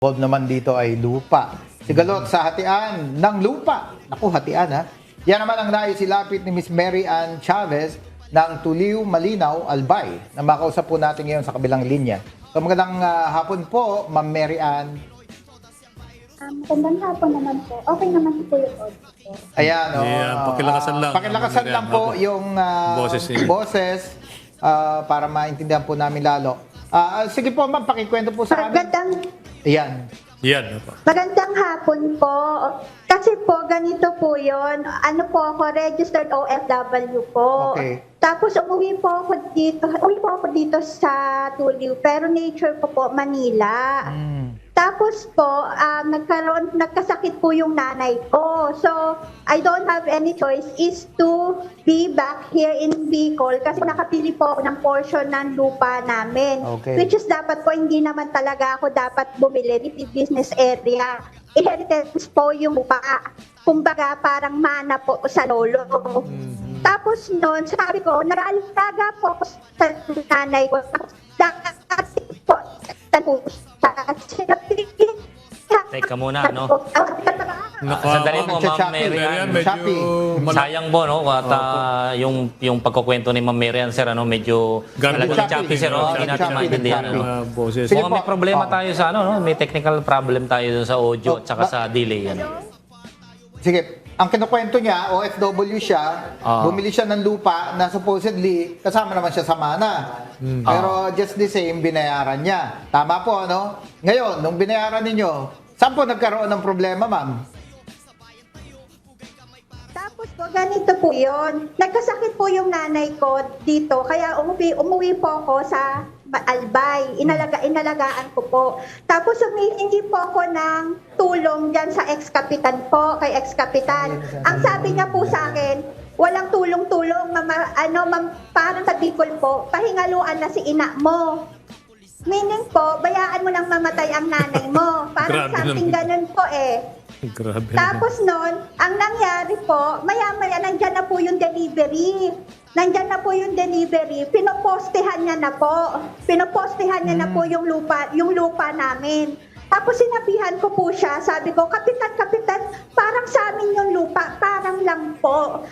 involved naman dito ay lupa. Sigalot sa hatian ng lupa. Naku, hatian ha. Yan naman ang naisilapit ni Miss Mary Ann Chavez ng Tuliw, Malinaw, Albay na makausap po natin ngayon sa kabilang linya. So magandang hapon po, Ma'am Mary Ann. Magandang hapon naman po. Okay naman po yung audio. Ayan, pakilakasan lang. Pakilakasan lang po yung boses para maintindihan po namin lalo. Sige po, Ma'am, pakikwento po sa amin. Ayan. Yan. Magandang hapon po. Kasi po, ganito po yun. Ano po ako, registered OFW po. Okay. Tapos umuwi po ako dito sa Tuliw. Pero nature ko po, Manila. Tapos po, nagkasakit po yung nanay ko. So, I don't have any choice is to be back here in Bicol kasi nakapili po ako ng portion ng lupa namin. Okay. Which is dapat po, hindi naman talaga ako dapat bumili ni business area. Inheritance po yung lupa. Kumbaga, parang mana po sa lolo. Tapos noon, sabi ko, naraalaga po ako sa nanay ko. Dati po, Teka muna, no? Sandali po, Ma'am Mary Ann. Sayang po, no? At yung pagkukwento ni Ma'am Mary Ann, sir, ano, medyo talagang choppy, sir, no? Hindi natin maintindihan, ano? Kung may problema tayo sa, ano, no? May technical problem tayo sa audio at saka sa delay, ano? Sige, ang kinukwento niya, OFW siya, bumili siya ng lupa na supposedly kasama naman siya sa mana. Pero just the same, binayaran niya. Tama po, ano? Ngayon, nung binayaran ninyo, saan po nagkaroon ng problema, ma'am? Tapos po, ganito po yun. Nagkasakit po yung nanay ko dito, kaya umuwi po ako sa Albay. Inalagaan ko po. Tapos humihingi po ako ng tulong dyan sa ex-kapitan po, kay ex-kapitan. Ang sabi niya po sa akin, walang tulong-tulong, parang sa Bicol po, pahingaluan na si ina mo. Meaning po, bayaan mo nang mamatay ang nanay mo. Parang something ganun po eh. Grabe. Tapos noon, ang nangyari po, maya-maya nandyan na po yung delivery. Nandyan na po yung delivery. Pinopostehan niya na po. Pinopostehan niya na po yung lupa namin. Tapos sinabihan ko po siya, sabi ko, Kapitan, parang sa amin yung lupa, parang lang po.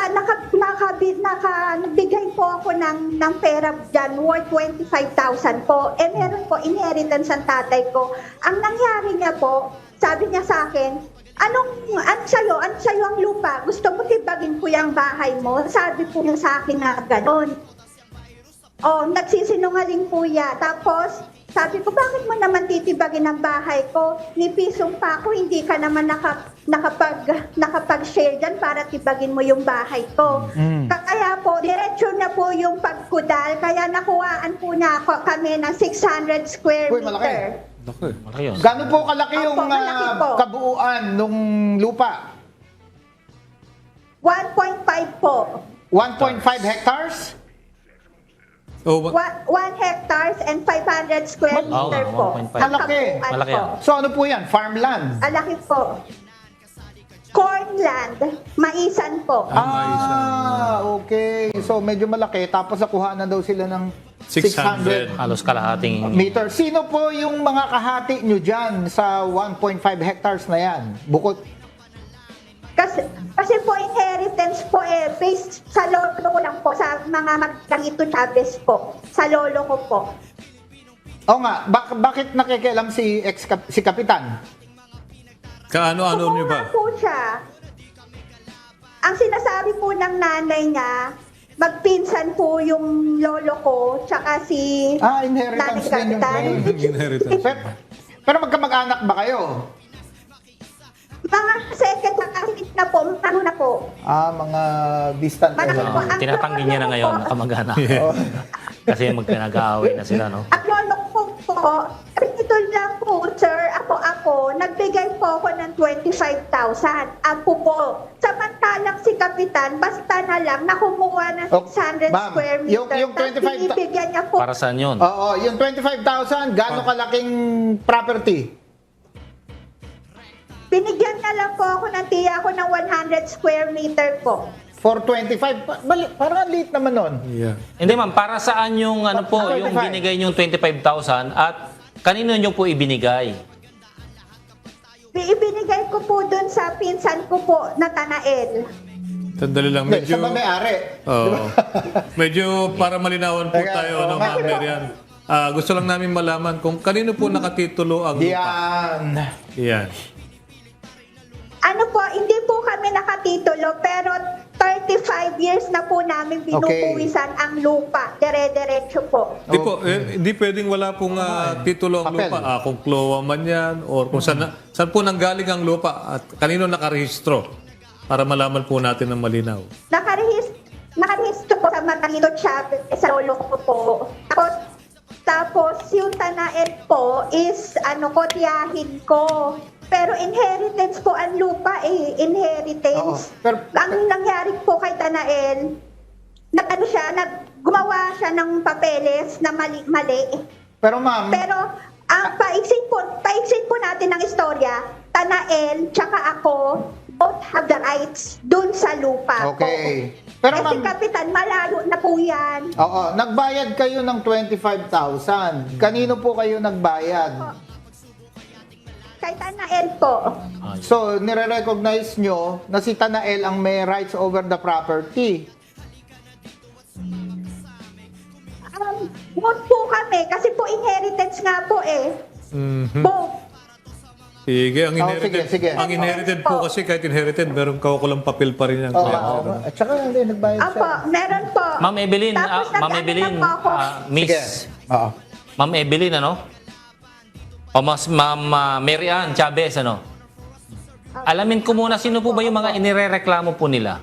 Nagbigay po ako ng pera dyan, worth 25,000 po. Meron po, inheritance ang tatay ko. Ang nangyari niya po, sabi niya sa akin, ano sa'yo ang lupa? Gusto mo tibagin ko yung bahay mo? Sabi po niya sa akin na gano'n. Nagsisinungaling po ya. Tapos, sabi ko, bakit mo naman titibagin ang bahay ko? Ni pisong pa ako, hindi ka naman nakapag-share dyan para tibagin mo yung bahay ko. Kaya po, diretso na po yung pagkudal. Kaya nakuhaan po na kami ng 600 square meter. Malaki. Malaki yun. Gano'n po kalaki yung malaki po. kabuuan nung lupa? 1.5 po. 1.5 hectares? 1 hectares and 500 square meter po. 1.5. Ang Malaki. kabuuan Malaki po. yan. So ano po yan? Farmland? Alaki po. Cornland. Maisan po. Okay. So medyo malaki. Tapos nakuha na daw sila ng 600 Halos kalahating... meter. Sino po yung mga kahati nyo dyan sa 1.5 hectares na yan? Bukod. Kasi po inheritance po based sa lolo ko lang po, sa mga Magdangito Chavez po. Sa lolo ko po. Oo nga, bakit nakikialam si Kapitan? Kaano-ano niyo ba? Kumuha po siya. Ang sinasabi po ng nanay niya, magpinsan po yung lolo ko, tsaka si Inheritance din yung Inheritance. Pero magkamag-anak ba kayo? Mga second na kahit na po, ano na po. Mga distant. Malaki po. Ang Tinatanggi niya na ngayon, nakamag-anak. Kasi mag-aaway na sila, no? Ang lolo ko po, ito lang po, sir, ako, nagbigay po ako ng 25,000. Ako po. Samantalang si Kapitan, basta na lang, nakumuha ng 600 Ma'am, square meter. yung 25,000 binibigyan niya po. Para saan yun? Oo, yung 25,000, gaano kalaking property? Binigyan na lang po ako ng tiya ko ng 100 square meter po. For 25, parang late naman nun. Yeah. Hindi, ma'am, para saan yung, ano po, yung 25. binigay yung 25,000 at kanino nyo po ibinigay? Binigay ko po dun sa pinsan ko po na Tanael. Sandali lang, Hindi, medyo... siya ba may-ari? Oo. Medyo para malinawan po Teka, tayo, oo ano, nga. Ma'am Marian. Gusto lang namin malaman kung kanino po nakatitulo ang lupa. Yan. Yan. Ano po, hindi po kami nakatitulo, pero 35 years na po namin binubuwisan ang lupa. Dire-diretso po. Hindi po, hindi pwedeng wala pong titulo ang Papel. lupa. Kung klowa man yan, or kung saan po nanggaling ang lupa at kanino nakarehistro para malaman po natin ng malinaw. Nakarehistro po sa Matalino Chavez, sa lolo ko po. Tapos yung Tanael po is, tiyahin ko. Pero inheritance po ang lupa inheritance. Oo. Pero- Ang nangyari po kay Tanael, gumawa siya ng papeles na mali. Pero ma'am, Pero ang paiksin po natin ng istorya, Tanael tsaka ako both have the rights dun sa lupa okay. po. Pero Kasi ma'am, kapitan, malayo na po yan. oo, nagbayad kayo ng 25,000. Kanino po kayo nagbayad? Kay Tanael po. So, nire-recognize nyo na si Tanael ang may rights over the property. Both po kami, kasi po inheritance nga po Mhm. Both. Sige, ang inherited, sige. ang inherited po kasi kahit inherited, meron kaukulang papel pa rin yan. Oo, Kaya, oo. At saka hindi, nagbayad siya. Apo, meron po. Ma'am Evelyn, Tapos Ma'am nag-ano Evelyn, na po ako. Miss, Sige. Oo. Ma'am Evelyn, ano? O Ma'am Mary Ann Chavez, ano? Alamin ko muna, sino po ba yung mga inirereklamo po nila?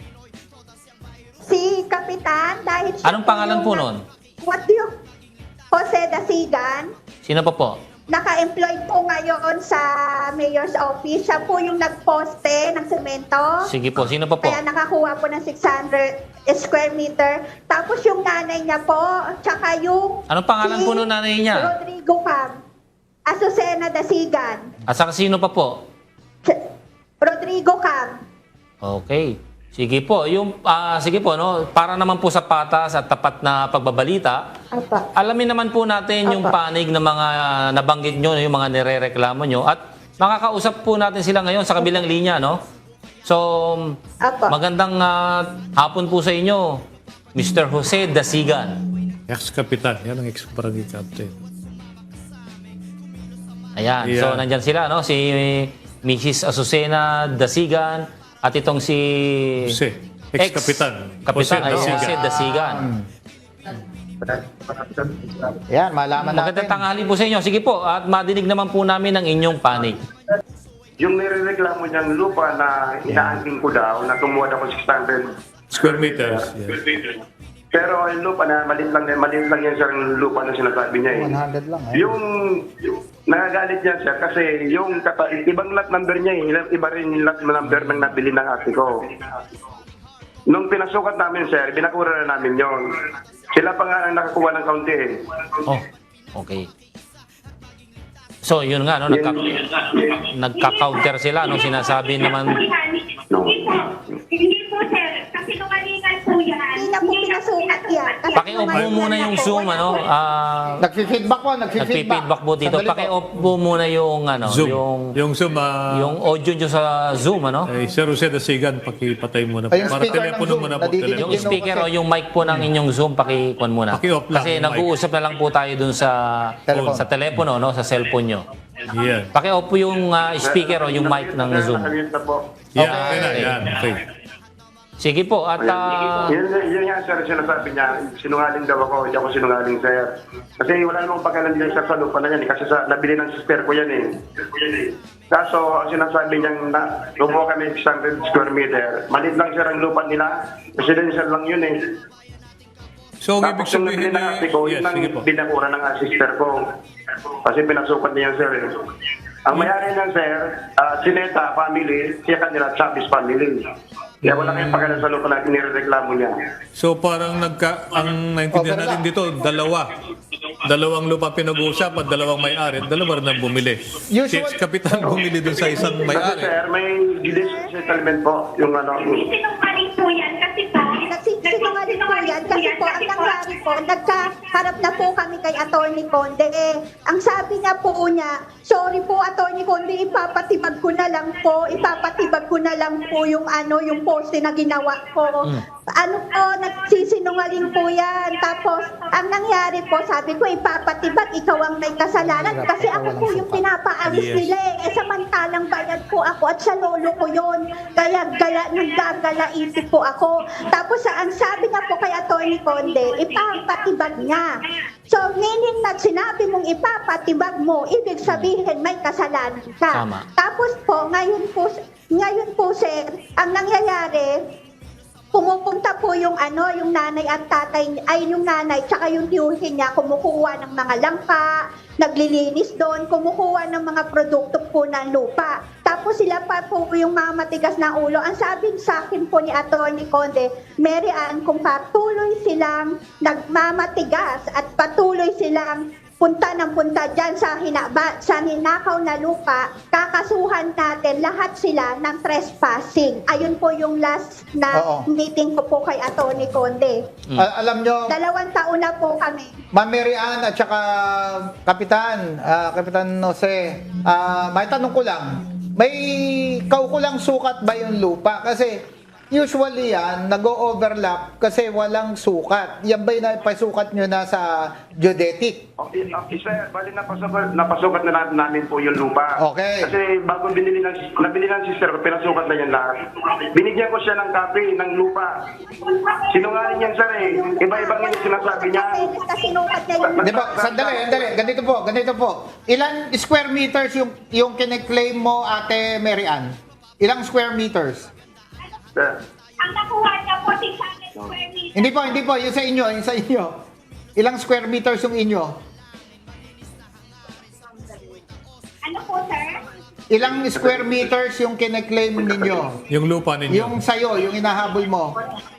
Si Kapitan, dahil siya Anong pangalan po yung- nun? What do you... Jose Dasigan. Sino pa po? Naka-employed po ngayon sa mayor's office. Siya po yung nagposte ng semento. Sige po, sino pa po? Kaya nakakuha po ng 600 square meter. Tapos yung nanay niya po, tsaka yung... Anong pangalan si po nung nanay niya? Rodrigo Cam. Azucena Dasigan. At saka sino pa po? Rodrigo Cam. Okay. Sige po, sige po, no, para naman po sa patas at tapat na pagbabalita, Apa. alamin naman po natin yung Apa. panig ng mga nabanggit nyo, yung mga nirereklamo nyo, at makakausap po natin sila ngayon sa kabilang linya, no? So, Apa. magandang hapon po sa inyo, Mr. Jose Dasigan. ex-kapitan, yan ang ex-barangay captain. Ayan, Yeah. so nandyan sila, no? Si Mrs. Azucena Dasigan at itong si... Jose, ex-kapitan. Kapitan, Jose Dasigan. Jose Dasigan. Yan, malaman natin. Magandang tanghali po sa inyo. Sige po, at madinig naman po namin ang inyong panig. Yung nirereklamo niyang lupa na inaangking ko daw, na kumuha daw ko 600 Square meters. Yes. Pero yung lupa na maliit lang yan sir, yung lupa na sinasabi niya eh. 100 lang eh. Yung nagagalit niya sir kasi yung ibang lot number niya eh, iba rin yung lot number ng nabili ng ate ko. Nung pinasukat namin sir, binakura na namin yon. Sila pa nga ang nakakuha ng kaunti eh. Oh, okay. So, yun nga, no, nagka-counter sila, no, sinasabi naman, No. Hindi po, sir. Kasi sinungalingan po yan. Hindi na po pinasukat yan. Kasi paki-off mo muna yung Zoom, ano, Nagfi-feedback po, nagpi-feedback po dito. Sandali po. Paki-off po muna yung, ano, Zoom. Yung Zoom, yung audio nyo sa Zoom, ano? Sir Jose Dasigan, pakipatay muna. Ay, yung Para speaker ng telepono Zoom, muna po. nadidinig telepono. Yung speaker o yung mic po ng inyong Zoom, paki-on muna. Paki-off lang Kasi yung mic. nag-uusap na lang po tayo dun sa Telepono. sa telepono, no, sa cellphone nyo. Yan. Paki-off po yung speaker o yung mic ng Zoom. Nakamute na po. Yan, Okay. okay na. Yan, okay. Sige po, at Yun nga sir, sinasabi niya, sinungaling daw ako, hindi ako sinungaling sir. Kasi wala namang pagkalan din sir sa lupa na yan, kasi nabili ng sister ko yan eh. Kaso, ang sinasabi niya, lumuha kami 600 square meter. Malit lang sir ang lupa nila, residential lang yun eh. So, ang ibig Tapos yung nabili sabihin ng ate ko, yes, yun ang sige po. binakura ng sister ko. Kasi pinasukat niya sir eh. Ang mayari niyan sir, Sineta family, siya kanila Chavez family. Kaya wala kayong pagkalan sa lupa na inireklamo niya. So, parang ang naintindihan Okay, natin dito, dalawang lupa pinag-uusap at dalawang may-ari, dalawa rin ang bumili. Si Usual- ex-kapitan bumili dun sa isang Kasi may-ari. sir, may judicial settlement po, yung ano, Sinungaling po yan kasi po. Sinungaling po yan kasi po ang nangyari po, nagkaharap na po kami kay Attorney Conde. Ang sabi niya po niya, sorry po Attorney Conde, ipapatibag ko na lang po yung yung poste na ginawa ko. Ano po, nagsisinungaling po yan. Tapos, ang nangyari po, sabi ko, ipapatibag, ikaw ang may kasalanan. Kasi ako po yung pinapaalis nila eh. Samantalang bayad po ako at sa lolo ko yun. Kaya naggagalaisip po ako. Tapos, ang sabi niya po kay Attorney Conde, ipapatibag niya. So, meaning na sinabi mong ipapatibag mo, ibig sabihin may kasalanan ka. Tama. Tapos po, ngayon po sir, ang nangyayari, pumupunta po yung nanay at tatay, ay yung nanay, tsaka yung tiyuhin niya, kumukuha ng mga langka, naglilinis doon, kumukuha ng mga produkto po ng lupa. Tapos sila pa po yung mga matigas na ulo. Ang sabi sa akin po ni Attorney Conde, Mary Ann, kung patuloy silang nagmamatigas at patuloy silang punta dyan sa ninakaw na lupa, kakasuhan natin lahat sila ng trespassing. Ayun po yung last na meeting ko po kay Attorney Conde. Alam nyo, 2 taon na po kami. Ma'am Mary Ann at saka Kapitan Jose, may tanong ko lang, may kaukulang sukat ba yung lupa? Kasi usually yan, nag-o-overlap kasi walang sukat. Yan ba yung napasukat nyo na sa geodetic? Okay, sir, bali napasukat na namin po yung lupa. Okay. Kasi bago nabili ng sister ko, pinasukat na yan lahat. Binigyan ko siya ng copy ng lupa. Sinungaling yan, sir eh. Iba-ibang yung sinasabi niya. Kasi sinukat niya yung Di ba? Sandali. Ganito po. Ilan square meters yung kine-claim mo, Ate Mary Ann? Ilang square meters? Sir. Ang nakuha niya po 600 square meters. Hindi po. Yung sa inyo. Ilang square meters yung inyo? Ano po, sir? Ilang square meters yung kine-claim ninyo? Yung lupa ninyo. Yung sa'yo, yung inahabol mo?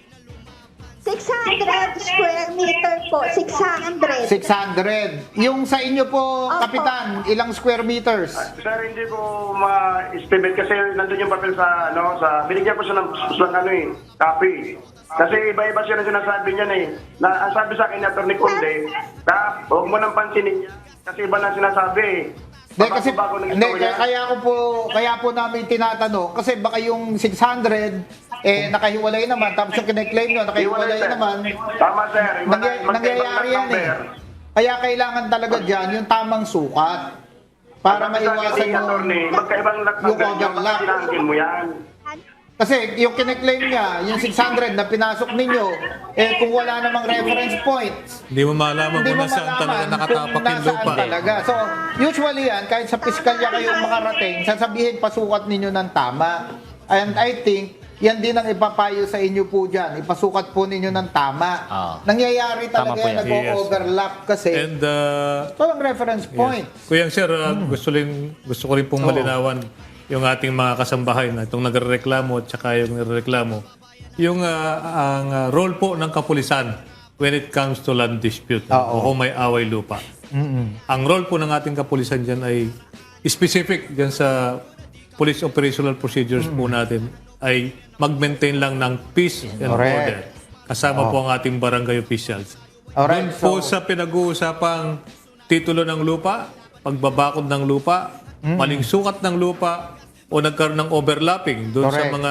600 square meter po, 600. 600. Yung sa inyo po, Opo. Kapitan, ilang square meters? Sir, hindi ko ma-estimate kasi nandun yung papel sa binigyan ko siya ng copy. Kasi iba-iba siya na sinasabi niyan eh. Ang sabi sa akin ni Atty. Conde, huwag mo nang pansinin niya kasi iba na sinasabi eh. Hindi, kasi, Bago ng hindi, istorya. kaya po namin tinatanong, kasi baka yung 600, nakahiwalay naman, tapos yung kine-claim nyo, nakahiwalay Sir. naman. Tama, sir. Nangyayari yan eh. Kaya kailangan talaga dyan yung tamang sukat para maiwasan magkaibang yung overlap. Sinangkin mo yan. Kasi yung kine-claim niya, yung 600 na pinasok ninyo, kung wala namang reference points, Hindi mo malaman hindi kung mo nasaan talaga malaman nakatapak kung yung nasaan lupa. talaga. So, usually yan, kahit sa piskalya kayong makarating, sasabihin pasukat ninyo ng tama. And I think, yan din ang ipapayo sa inyo po dyan. Ipasukat po ninyo ng tama. Nangyayari Tama talaga po yan, yan. nag-overlap kasi. And Walang reference point. Kuya sir, gusto ko rin pong malinawan yung ating mga kasambahay na itong nagrereklamo at saka yung nagrereklamo. Yung ang role po ng kapulisan when it comes to land dispute o kung may away lupa. Ang role po ng ating kapulisan dyan ay specific dyan sa police operational procedures po natin ay mag-maintain lang ng peace and Correct. order. Kasama po ang ating barangay officials. Alright, Doon po sa pinag-uusapang titulo ng lupa, pagbabakod ng lupa, maling sukat ng lupa, o nagkaroon ng overlapping doon sa Correct. mga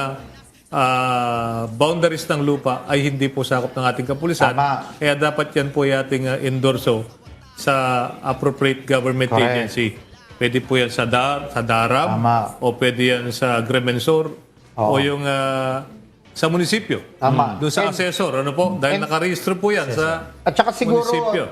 boundaries ng lupa ay hindi po sakop ng ating kapulisan. Tama. Kaya dapat yan po yung ating endorso sa appropriate government Correct. agency. Pwede po yan sa DARAM Tama. o pwede yan sa Agrimensor o yung sa munisipyo. Tama. Doon sa assessor, ano po? Dahil nakarehistro po yan sa At saka siguro, munisipyo.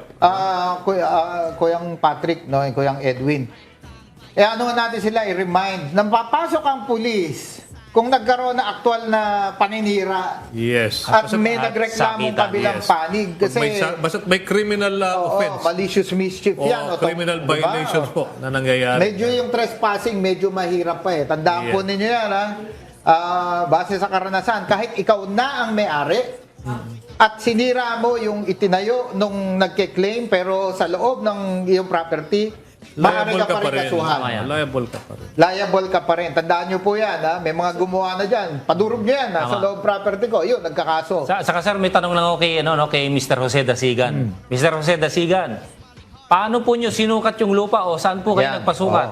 Kuyang Patrick, no, Kuyang Edwin, ano natin sila i-remind, nang papasok ang pulis, kung nagkaroon na aktual na paninira, Yes. at may at nagreklamong sakitan, kabilang yes. panig, kasi Basta't may criminal offense malicious mischief o yan. criminal Diba? violations po na nangyayari. Medyo yung trespassing, medyo mahirap pa eh. Tandaan po ninyo yan, ha? Base sa karanasan, kahit ikaw na ang may-ari, at sinira mo yung itinayo nung nagke-claim, pero sa loob ng iyong property, maaari liable ka pa rin kasuhan. Tama yan. Liable ka pa rin. Liable ka pa rin. Tandaan nyo po yan, ha? May mga gumawa na dyan. Padurog nyo yan, nasa Tama. loob property ko. Yun, nagkakaso. Saka sir, may tanong lang ako kay Mr. Jose Dasigan. Mr. Jose Dasigan, paano po nyo sinukat yung lupa o saan po kayo Yan. nagpasukat?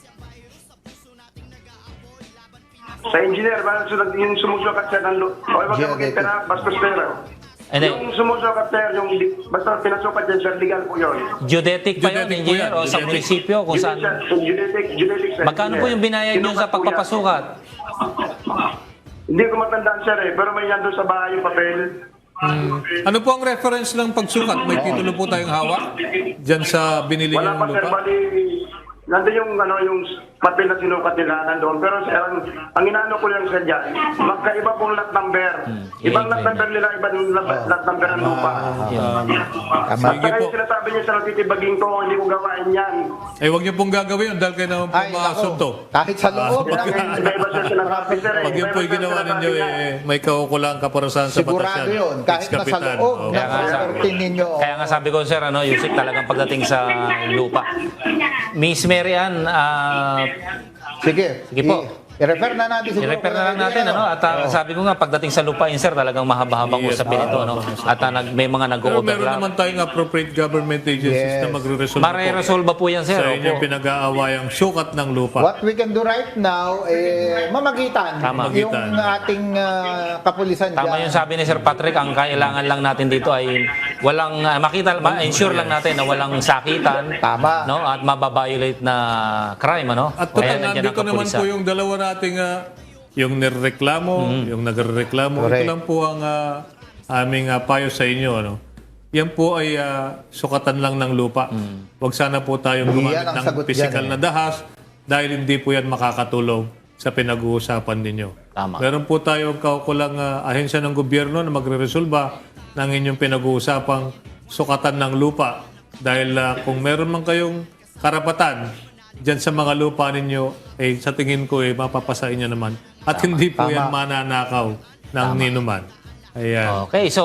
Sa engineer, yung sumusukat siya ng lupa. O, wag ka magkita bastos pera. Hindi. Yung sumusukat sir, basta pinasukat yan, sir, legal po yun. Geodetic pa yun, Geodetic po engineer, yan, o sa geodetic. munisipyo kung saan? Geodetic, sir. Magkano po yung binayad nyo sa Sinukat po yan. pagpapasukat? Hindi ko matandaan, sir, pero may yan doon sa bahay yung papel. Ano po ang reference ng pagsukat? May titulo po tayong hawak? Diyan sa binili Wala yung pa, sir, lupa? bali, nandun yung papel na sinukat nila nandoon. Pero sir, ang inaano ko lang sir dyan, magkaiba pong lot number. Ibang lot number nila, ibang lot number ng lupa. Tama. Sige Basta po. yung sinasabi niya sa titibaging ko, hindi ko gawain yan. Eh, huwag niyo pong gagawin yun dahil kayo naman po Ay, maasunto. nako. Kahit sa loob. Iba-iba siya sinasabi, sir. Pag yun po yung ginawa ninyo, may kaukulang kaparusahan sa batas Sigurado yan. yun. Kahit nasa Ex-kapitan. loob Oo. ng Kaya nga, property ninyo. Kaya nga sabi ko, sir, Yusik, talagang pagdating sa lupa. Miss Mary Ann, Sige. Sige po. I-refer na natin siguro. i-refer na lang natin, At sabi ko nga, pagdating sa lupain, sir, talagang mahaba-habang Yes, usapin ito, At may mga Pero meron nag-overlap. naman tayong appropriate government agencies Yes. na magre-resolve po Mare-resolve po yan, sir. sa inyong Opo. pinag-aawayang sukat ng lupa. What we can do right now, mamagitan Tama. yung ating kapulisan Tama dyan. yung sabi ni Sir Patrick, ang kailangan lang natin dito ay walang ensure lang natin na walang sakitan, Tama. At mababiolate na crime, At Kaya total, nandiyan ang nandito naman kapulisan. po yung dalawa nating yung nireklamo, yung nagrereklamo. Correct. Ito lang po ang aming payo sa inyo. Yan po ay sukatan lang ng lupa. Huwag sana po tayong Yan gumamit ang ng sagot physical dyan, na dahas dahil hindi po yan makakatulong sa pinag-uusapan ninyo. Tama. Meron po tayong kaukulang ahensya ng gobyerno na magre-resolba ng inyong pinag-uusapang sukatan ng lupa. Dahil kung meron man kayong karapatan dyan sa mga lupa ninyo, sa tingin ko, mapapasain nyo naman. At hindi po yan mananakaw ng ninuman. Ayan. Okay, so